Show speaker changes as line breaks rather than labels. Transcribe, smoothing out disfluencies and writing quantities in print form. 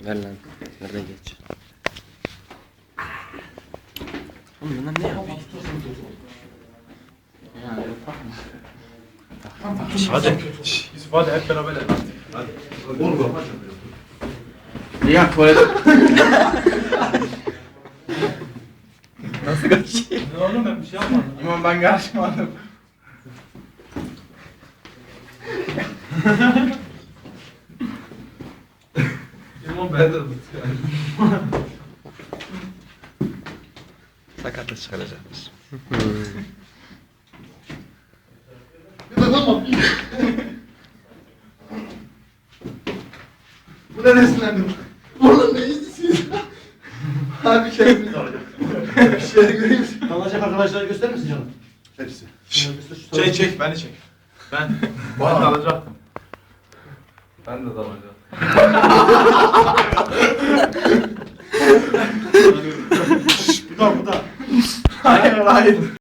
Ver lan. Nerede geç? Oğlum bunlar ne yapıyor?
Hadi. Yusuf hadi hep beraber hadi. Hadi.
Oğlum
Ya tuvalet.
Nasıl kaçayım? Ne oğlum ben bir şey yapmadım.
İmam ben karışmadım.
İmam ben de
Sakatlık çıkaracakmış.
Tamam. Bu da nesinlendim? Oğlum ne istiyorsun? Abi kendimiz alacak. Bir şey göreyim.
Kalacak arkadaşları gösterir misin canım?
Hepsi.
Çek beni çek. Ben de alacaktım. Ben de alacaktım.
Bu da.
Hayır hayır.